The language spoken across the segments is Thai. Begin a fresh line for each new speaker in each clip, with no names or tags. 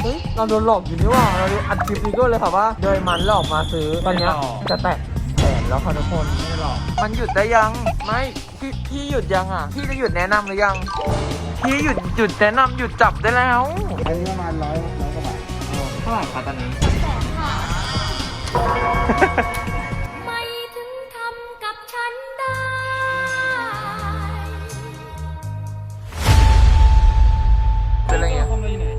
เราโดนหลอกอยู่นี่ว่าเราอัดคลิปนี้ก็เลยค่ะว่าโดยมันหลอกมาซื้อตอนนี้จะแตะแสนแล้วค่ะทุกคนไม่หลอกมันหยุดได้ยังไม่พี่หยุดยังอ่ะพี่จะหยุดแนะนำหรือยังพี่หยุดแนะนำหยุดจับได้แล้ว
อันนี้ประมาณร้อยกว่าบาท
เท่าไหร่คะตอนนี้
ไม่ถึงทำกับฉันได้
เป็นอะไรเงี้ย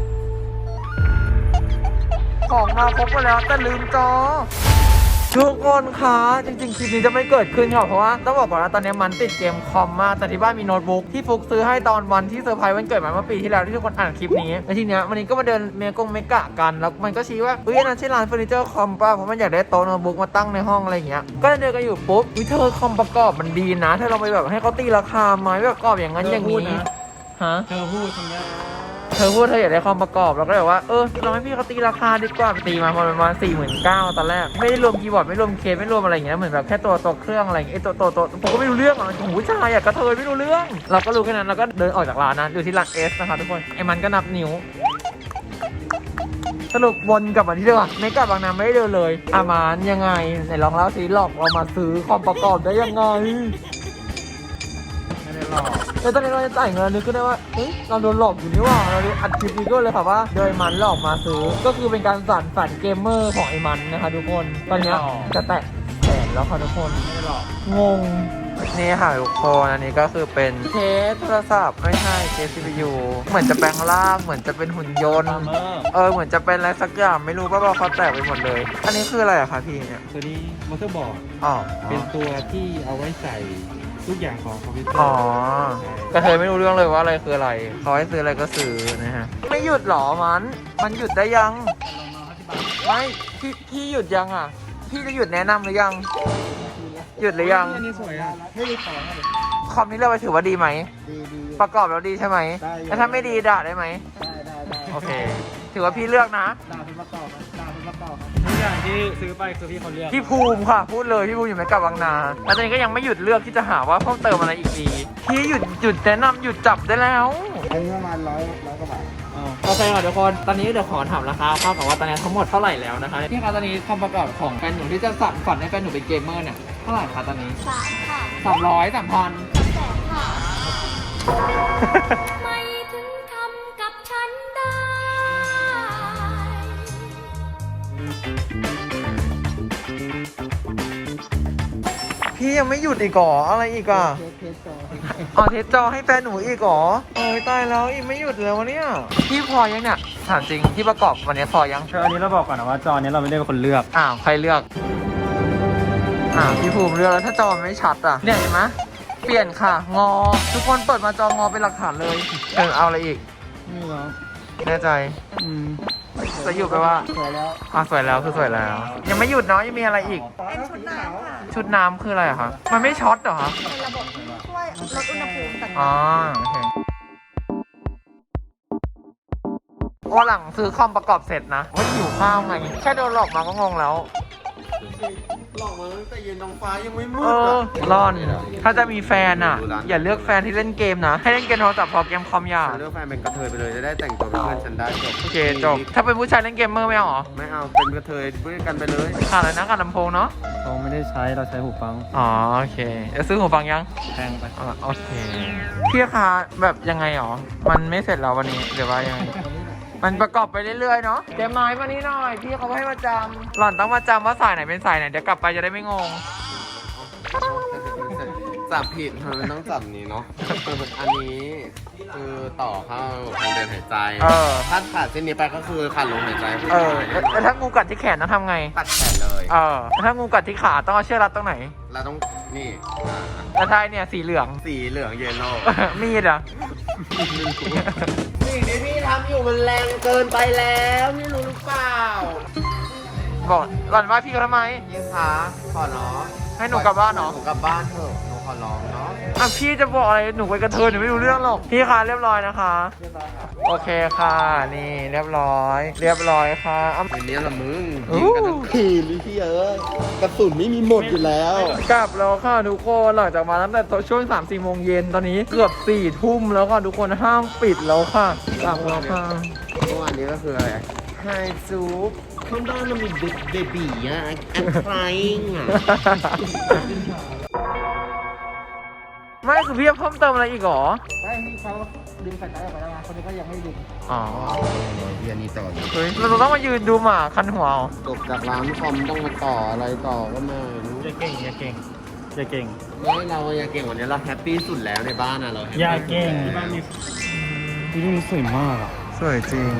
ของมาครบหมดแล้วแต่ลืมจอทุกคนคะจริงๆคลิปนี้จะไม่เกิดขึ้นค่ะเพราะว่าต้องบอกก่อนนะตอนนี้มันติดเกมคอมมากแต่ที่บ้านมีโน้ตบุ๊กที่ฟุกซื้อให้ตอนวันที่เซอร์ไพรส์วันเกิดมาเมื่อปีที่แล้วที่ทุกคนอ่านคลิปนี้แล้วทีเนี้ยวันนี้ก็มาเดินเมกะกันแล้วมันก็ชี้ว่าอันนั้นใช่ร้านเฟอร์นิเจอร์คอมป่ะเพราะมันอยากได้โต๊ะโน้ตบุ๊กมาตั้งในห้องอะไรอย่างเงี้ยก็เดินกันอยู่ปุ๊บเธอคอมประกอบมันดีนะเธอลองไปแบบให้เขาตีราคาไหมประกอบอย่างนั้นอย่างนี้ฮะ
เธอพูดทำไม
เธอพูดเธออยากได้คอมประกอบแล้วก็แบบว่าเราให้พี่เขาตีราคาดีกว่าตีมาประมาณ49,000ตอนแรกไม่ได้รวมคีย์บอร์ดไม่รวมเคสไม่รวมอะไรอย่างเงี้ยเหมือนแบบแค่ตัวเครื่องอะไรอย่างเงี้ยตัวผมก็ไม่รู้เรื่องอ่ะโอ้โหผู้ชายอยากกระเทยไม่รู้เรื่องเราก็รู้แค่นั้นเราก็เดินออกจากร้านนั้นอยู่ที่ร้านเอสนะคะทุกคนไอ้มันก็นับนิ้วสรุปวนกลับมาที่เดิมไม่กลับบางนาไม่ได้เดินเลยอามันยังไงไหนลองเล่าสิหลอกเรามาซื้อคอมประกอบได้ยังไงแล้วตอนนี้เราจะจ่ายเงินนึกขึ้นได้ว่าเราโดนหลอกอยู่นี่ว่าเราอัดคลิปนี้ก็เลยค่ะว่าโดยมันหลอกมาซื้อก็คือเป็นการสั่นฝันเกมเมอร์ของไอ้มันนะคะทุกคนตอนนี้จะแตะแสนแล้วค่ะทุกคนไม่หลอกงงนี่ค่ะทุกคนอันนี้ก็คือเป็นเคสโทรศัพท์ไม่ใช่เคส CPU เหมือนจะแปลงร่างเหมือนจะเป็นหุ่นยนต์เหมือนจะเป็นอะไรสักอย่างไม่รู้ว่าเขาแตกไปหมดเลยอันนี้คืออะไรอะคะพี่เนี่ย
ตัวนี้มอเตอร์บอร์ด
เป็น
ตัวที่เอาไว้ใส่ทุกอย่างของคอมพิวเตอร์
กระเทยไม่รู้เรื่องเลยว่าอะไรคืออะไรเขาให้ซื้ออะไรก็ซื้อนะฮะไม่หยุดหรอมันหยุดได้ยังไม่พี่หยุดยังอ่ะพี่จะหยุดแนะนำหรือยังหยุดหรือยัง
อันนี้สวยอ่ะไม่ได้ของ
คอมนี้เราไปถือว่าดีไหม
ดี
ประกอบแล้วดีใช่ไหมแล้วถ้าไม่ดีด่าได้ไหม
ได้
โอเคถือว่าพี่เลือกนะ
ด่าเป็นประกอบทุกอย่างที่ซื้อไปคือพี่เขาเลือก
พี่ภูมิค่ะพูดเลยพี่ภูมิอยู่ไม่กับบางนาแล้วตอนนี้ก็ยังไม่หยุดเลือกที่จะหาว่าเพิ่มเติมอะไรอีกดีพี่หยุดแนะนำหยุดจับได้แล้ว
อันนี้ประมาณร้อยกว่าบาท
โอเคค่ะทุกคนตอนนี้เดี๋ยวขอถามราคาครับกับว่าตอนนี้ทั้งหมดเท่าไหร่แล้วนะคะพี่คะตอนนี้คอมประกอบของแฟนหนูที่จะสั่นฝันให้แฟนหนูเป็นเกมเมอร์เนี่ยเท่าไหร่คะตอนนี้
3 ค่ะ
300 3,000
แสนค่ะ ไม่ถึงทำกับฉันได้
พี่ยังไม่หยุดอีกหรออะไรอีกอ่ะเทสจอให้แฟนหนูอีกหรอโอ้ยตายแล้วอีกไม่หยุดเลยวะเนี่ยพี่พอยังเนี่ยถามจริงที่ประกอบวันนี้พอยัง
อันนี้เราบอกก่อนนะว่าจอนี้เราไม่ได้เป็นคนเลือก
ใครเลือกพี่ภูมิเลือกแล้วถ้าจอไม่ชัดอ่ะเนี่ยเห็นไหมเปลี่ยนค่ะงอทุกคนเปิดมาจองอเป็นหลักฐานเลยเอาอะไรอีก
นี่เหรอ
แน่ใจจะหยุดไปว่า
สวยแล้ว
สวยแล้วคือสวยแล้วยังไม่หยุดเนาะยังมีอะไรอีก
เป็นชุดน้ำค่ะ
ชุดน้ำคืออะไรอะคะมันไม่ช็อตเหรอคะ
เป็นระบบที่ช่วยลดอุณหภูมิต่าง
ๆโอเควันหลังซื้อคอมประกอบเสร็จนะว่าหิวข้าวไงแค่โดนหลอกมาก็งงแล้ว
หลอกมาตั้งแต่เย็นท้องฟ้ายังไม่มืด
ร้อนถ้าจะมีแฟนอ่ะอย่าเลือกแฟนที่เล่นเกมนะให้เล่นเกมโทรศัพท์พอเกมคอมอย่า
เลือกแฟนเป็นกระเทยไปเลยจะได้แต่งตัวเป็นเพื่อนฉันได้จบ
โอเคจบถ้าเป็นผู้ชายเล่นเกมเมอร์ไม่เอาหรอ
ไม่เอาเป็นกระเทยเพื่อนกันไปเลย
ขาดอะไรนะขาดลำโพงเนาะ
เราไม่ได้ใช้เราใช้หูฟัง
โอเคจะซื้อหูฟังยัง
แพงไป
โอเคพี่คะแบบยังไงหรอมันไม่เสร็จแล้ววันนี้เดี๋ยวว่ายังไงมันประกอบไปเรื่อยๆเนาะเดี๋ยวไม้มานี่หน่อยพี่เขาให้มาจำหล่อนต้องมาจำว่าสายไหนเป็นสายไหนเดี๋ยวกลับไปจะได้ไม่งง
จับผิดมันต้องจับนี้เนาะอันนี้คือต่อเข้าทางเดินหายใจถ้าขาดเส้นนี้ไปก็คือขาดลมหายใจ
แล้วถ้างูกัดที่แขนต้องทำไง
ตัดแขนเลย
แล้วถ้างูกัดที่ขาต้องเอาเชือกรัดตรงไหน
เราต้องนี่
แล้วท้ายเนี่ยสีเหลือง
เยลโล่
มีดอ่ะ
สิ่งที่พี่ทำอยู่มันแรงเกินไปแล้วพี่รู้หรือเปล่า
บอกหล่อนว่าพี่เขาทำไม
ยิ่งคะขอเนาะ
ให้หนูกลับบ้านเนาะ
หนูกลับบ้านเถอะหนูขอร้องเนาะ
พี่จะบอกอะไรหนูไปกระเทยหนูไม่รู้เรื่องหรอกพี่คะเรียบร้อยนะคะโอเคค่ะนี่เรียบร้อยค่ะ
วันนี้ละมึงยิงกันทั้งคืนพี่กระสุนไม่มีหมดอยู่แล้ว
กลับแล้วค่ะทุกคนหลังจากมาตั้งแต่ช่วง 3-4 โมงเย็นตอนนี้เกือบ 4 ทุ่มแล้วค่ะทุกคนห้างปิดแล้วค่ะกลับแล้วค่ะ
เมื่อวานนี้ก็คืออะไรไฮซูปข้างบ้านมันมีเบบีอ่ะแอนฟลายอ่ะ
ไม่คือพี่จะเพิ่มเติมอะไรอีกเหรอ
ได้ที่เขาดึงสายตาออกไปแล้วไงคนนี้ก็ยังไม่ดึง
อ๋อ
เรียนนี้ต่อ
เฮ้ยเราต้องมายืนดูหมาคันหัวเอา
จบจากร้านคอมต้องมาต่ออะไรต่อก็ไม่รู้
อย่าเก่งอย่าเก่งอย่าเก่ง
ไม่เราอย่าเก่งวันนี้เราแฮปปี้สุดแล้วในบ้านอ่ะเราแฮปปี้
อย่าเก่งที่บ้านมีที่นี่สวยมากอ่ะ
สวยจริง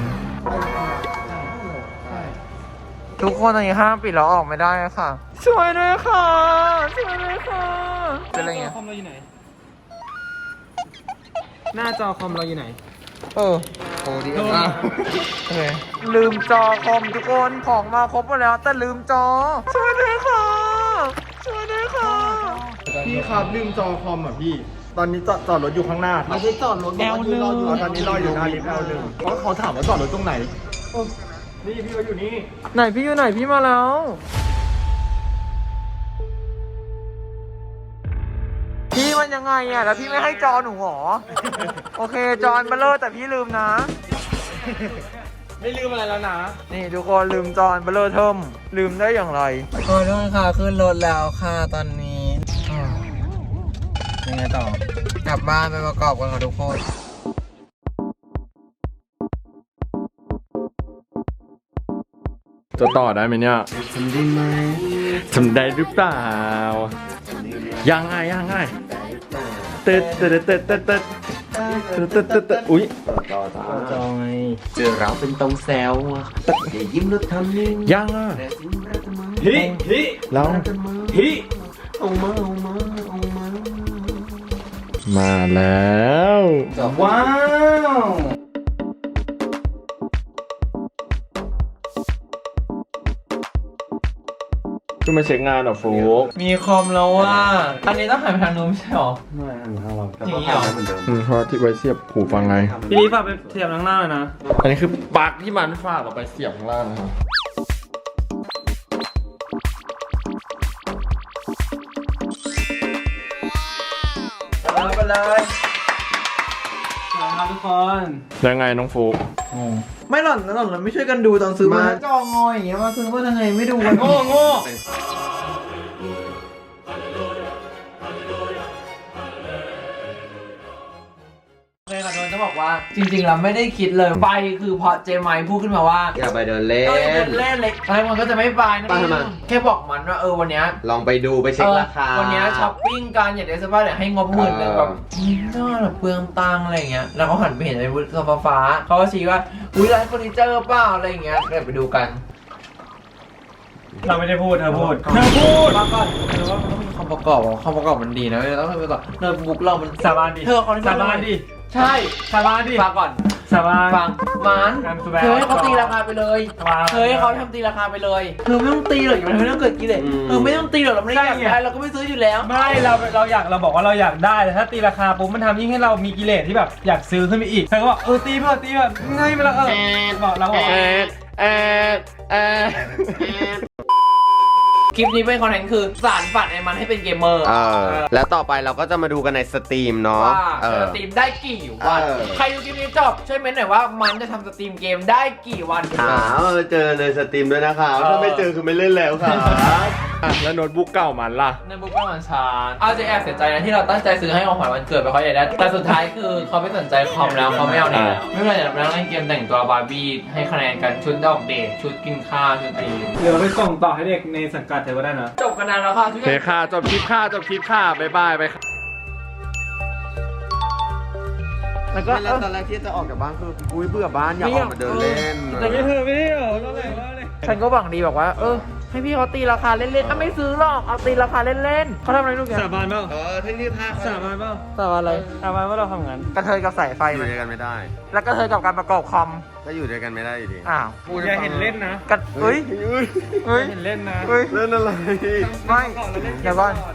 ทุกคนตอนนี้ห้ามปิดแล้วออกไม่ได้ค่ะ สวยเลยค่ะ สวยเลยค่ะ เป็นอะไรเงี้ย
คอมเราอยู่ไหน หน้าจอคอมเราอยู่ไหน
เออ
โอ้ดี
โดน
อ่ะ
โอเคลืมจอคอมทุกคนของมาครบหมดแล้วแต่ลืมจอ สวยเลยค่ะ สวยเลยค่ะ
พี่ครับลืมจอคอมอ่ะพี่ ตอนนี้จอดรถอยู่ข้างหน้าครับ
ไม่ใช่จอดรถ
L1
ตอนนี้รออยู่หน้าลิฟต์ L1 เพราะเขาถามว่าจอดรถตรงไหนนี่พี่ก็อยู่นี่
ไหนพี่อยู่ไหนพี่มาแล้ว พี่มันยังไงอ่ะแล้วพี่ไม่ให้จอหนูหรอ โอเคจออันเบลเลอร์แต่พี่ลืมนะ
ไม่ลืมอะไรแล้วนะ
นี่ทุกคนลืมจออันเบลเลอร์เทิมลืมได้อย่างไรโอ้ยทุกคนค่ะขึ้นรถแล้วค่ะตอนนี้ยังไงต่อกลับบ้านไปประกอบกันค่ะทุกคน
จะต่อได้ไหมเนี่ย
ทำได้ไหม
ทำได้หรือเปล่า ยังไงเติร์ดเติร์ดเติร์ดเติร์ดเติร์ดเติร์ดเติร์ดเติร์ดอุ้ย
จอยเจอเราเป็นตรงแซวอ่ะอย่ายิ้มแล้วทำนิ่ง
ยังอ่ะ
แต่สิ่งแรกจะมา
ฮิ
เรา
ฮิ
เอามาเอามาเอามา
มาแล้ว
ว้าว
คือมาเช็คงานเหรอโฟก
มีคอมแล้วว่า อันนี้ต้องหันไปทางนู้นไม่ใช่หรอ
ไม่อันนี้เรา
อย่างนี้เหรอ
เหมือนเดิม
เพราะที่ไว้เสียบหูฟังไง
พี่นี่ฝากไปเทียบข้างหน้าเลยนะ
อันนี้คือปลั๊กที่มันฝากออกไปเสียบข้างล่างนะครับ
ไปเลย
ครับทุกคน
ยังไงน้องโฟก
ไม่หล่อนเราไม่ช่วยกันดูตอนซื้อมาจองอยอย่างเงี้ยมาซื้อมาทำไงไม่ดูกันโง่ โอเคค่ะโดนจะบอกว่าจริงๆเราไม่ได้คิดเลยไปคือพอเจมายพูดขึ้นมาว่า
อย่าไปเดินเล่
เล่นเล็กอะไรมันก็จะไม่ไปนะ
ไปทำไม
แค่บอกมันว่าวันเนี้ย
ลองไปดูไปเช็คราคา
วันเนี้ยช้อปปิ้งกันอยากได้เสื้อผ้าเดี๋ยวให้งบหมื่นหนึงแบบน่าแบบเปลืองตังค์อะไรอย่างเงี้ยแล้วเขาหันไปเห็นไอ้วุฒิฟ้าๆเขาก็ชี้ว่าอุ้ยร้านเฟอร์นิเจอร์เปล่าอะไรอย่างเงี้ยเดี๋ยวไปดูกัน
เราไม่ได้พูดเธอพูด
มาก่อนเธอว่ามันต้องมีคำประกอบอ่ะคำประกอบมันดีนะเราต้องไปก่อนโน้ตบุ๊กเรามัน
สาบานดิ
เธอคนที่
สาบานดิ
ใช่
สาบานดิ
ฟังก่อน
สาบาน
ฟังมัน
การแสดง
เธอให้เขาตีราคาไปเลย
ฟัง
เธอให้เขาทำตีราคาไปเลยเธอไม่ต้องตีหรอกมันไม่ต้องเกิดกิเลสเธอไม่ต้องตีหรอกเราไม่ได้อยากได้เราก็ไม่ซื้ออยู่แล้ว
ไม่เราอยากเราบอกว่าเราอยากได้แต่ถ้าตีราคาปุ๊บมันทำยิ่งให้เรามีกิเลสที่แบบอยากซื้อขึ้นไปอีกเธอก็บอกตีเพื่อง่ายไปแล้วบอกเราบอก
คลิปนี้เป็นคอนเทนต์คือสารฝันไอ้มันให้เป็นเกมเมอร์
แล้วต่อไปเราก็จะมาดูกันในสตรีมเนาะ
ว่าจะสตรีมได้กี่วัน ใครดูคลิปนี้จบช่วยเม้นหน่อยว่ามันจะทำสตรีมเกมได้กี่วัน
เจอในสตรีมด้วยนะคะถ้าไม่เจอคือไม่เล่นแล้วค่ะ
อ่ะแล้วโน้ตบุ๊กเก่ามันล่ะ
ในบุ๊กเป็นวันชาเอาจะแอบเสียใจนะที่เราตั้งใจซื้อให้ของขวัญวันเกิดไปเขาอยากได้แต่สุดท้ายคือเขาไม่สนใจคอมแล้วเขาไม่เอาเนี่ยไม่เป็นไรเดี๋ยวเราเล่นเกมแต่งตัวบาร์บี้ให้คะแนนกันชุดดอกเดทชุดกินข้าวชุดอะไร
เดี๋ยวไปส่งต่อให้เด็กในสังกัดเธอก็ได้นะ
จบกันนานแล้วค่ะทุก
โอ
ค
เคน ค่ะจบคลิปค่ะบ๊ายบายไปค่ะ
แล้วก็
ไม่แล้วตอนแรกที่จะออกจากบ้านคืออุ้ยเบื่อบ้านอยากออกมาเดินเล่น
แต่ไม่เธอไม่ได้เหรอก็เลยว่าเลย
ฉันก็หวังดีบอกว่าให้พี่เขาตีราคาเล่นๆไม่ซื้อหรอกเอาตีราคาเล่นๆเขาทำอะไรลูกเนี่ย
สาบานเปล่า
ที่นี่ท่า
สาบานเปล่า
แต่ว่าอะไร
สาบานว่าเราทำงาน
กระเทยกับสายไฟ
อยู่
มัน
ด้วยกันไม่ได้
แล้วกระเทยกับการประกอบคอม
ก็อยู่ด้วยกันไม่ได้อยู่ดี
อ้าว
อย่าเห็นเล่นนะ
กันเฮ้ย
อย่าเห็นเล่นนะ
เฮ้ย
เล่นอะไร
ไม่เดี๋ยวก่อน